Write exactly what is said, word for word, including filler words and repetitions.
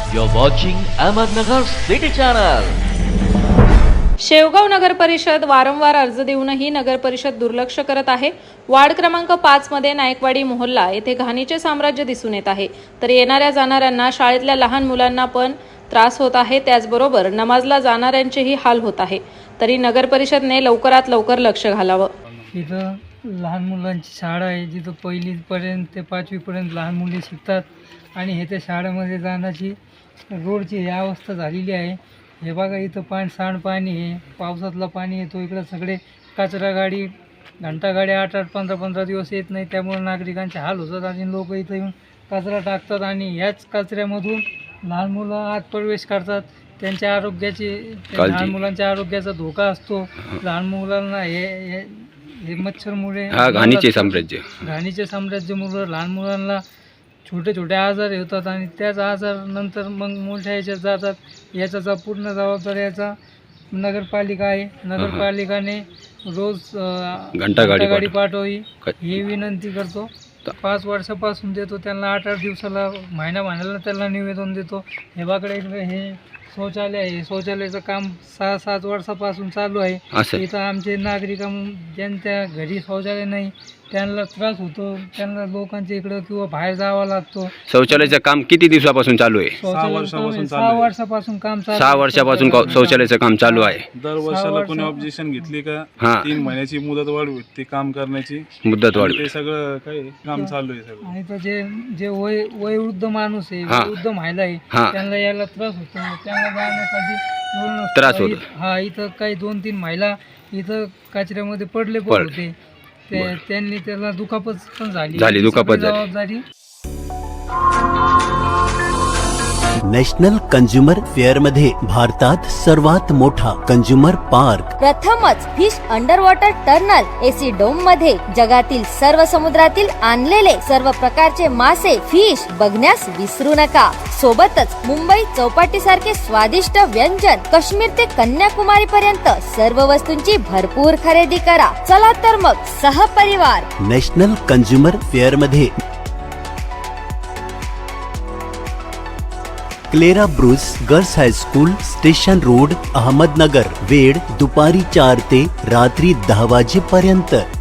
You're watching Ahmednagar City Channel. Shevgaon नगर परिषद वारंवार अर्ज देऊनही नगर परिषद दुर्लक्ष करत आहे। वार्ड क्रमांक पाच मध्ये नायकवाडी मोहल्ला येथे घाणीचे साम्राज्य दिसून येत आहे। तर येणाऱ्या जाणाऱ्यांना शाळेतल्या लहान मुलांना पण त्रास होत आहे, त्याचबरोबर नमाजला जाणाऱ्यांचेही हाल होत आहे। तरी नगर परिषदने लवकरात लवकर लक्ष घालावं। इथं लहान मुलांची शाळा आहे, जिथं पहिली पर्यंत ते पाचवी पर्यंत लहान मुले शिकतात आणि हे त्या शाळेमध्ये जाण्याची रोडची ही अवस्था झालेली आहे। हे बघा, इथं पाणी सांडपाणी आहे, पावसातलं पाणी येतो, इकडं सगळे कचरा गाडी घंटा गाडी आठ आठ पंधरा पंधरा दिवस येत नाही, त्यामुळे नागरिकांचे हाल होतात आणि लोक इथं येऊन कचरा टाकतात आणि ह्याच कचऱ्यामधून लहान मुलं आत प्रवेश करतात। त्यांच्या आरोग्याची लहान मुलांच्या आरोग्याचा धोका असतो। लहान मुलांना हे हे मच्छरमुळे घाणीचे साम्राज्य घाणीचे साम्राज्यामुळे लहान मुलांना छोटे छोटे आजार होतात आणि त्याच आजार नंतर मग मोठ्या ह्याच्यात जातात। याचा पूर्ण जबाबदारी याचा नगरपालिका आहे। नगरपालिकाने रोज घंटा गाडी पाठवावी ही विनंती करतो। पाच वर्षापासून देतो त्यांना, आठ आठ दिवसाला महिना महिन्याला त्यांना निवेदन देतो। हे बाकडे हे शौचालय आहे, शौचालयाचं काम सहा सात वर्षापासून चालू आहे। इथं आमचे नागरिक ज्यांच्या घरी शौचालय नाही त्यांना त्रास होतो, त्यांना लोकांच्या इकडं किंवा बाहेर जावं लागतो। शौचालयाचं काम किती दिवसापासून चालू आहे? सहा वर्षापासून काम चालू सहा वर्षापासून शौचालयाचं काम चालू आहे। दर वर्षाला कोणी ऑब्जेक्शन घेतली का तीन महिन्याची मुदत वाढ ते काम करण्याची मुदत वाढ, ते सगळं काही काम चालू आहे सगळं। आणि तर जे जे वय वयोवृद्ध माणूस आहे, वयोवृद्ध महिला आहे, त्यांना यायला त्रास होतो, त्यांना जाण्यासाठी त्रास होतो। हा, इथं काही दोन तीन महिला इथं कचऱ्यामध्ये पडले पण होते, त्यांनी त्याला दुखापत पण झाली झाली दुखापत झाली। जबाबदारी नॅशनल कंझ्युमर फेअर मध्ये भारतात सर्वात मोठा कंझ्युमर पार्क, प्रथमच fish under water tunnel AC dome मध्ये जगातील सर्व समुद्रातील आणलेले सर्व प्रकारचे मासे फिश बघण्यास विसरू नका। सोबतच मुंबई चौपाटी सारखे स्वादिष्ट व्यंजन, काश्मीर ते कन्याकुमारी पर्यंत सर्व वस्तूंची भरपूर खरेदी करा। चला तर मग सहपरिवार नॅशनल कंझ्युमर फेअर मध्ये Clara Bruce girls high school, station road, Ahmednagar. वेळ दुपारी चार ते रात्री दहा वाजेपर्यंत।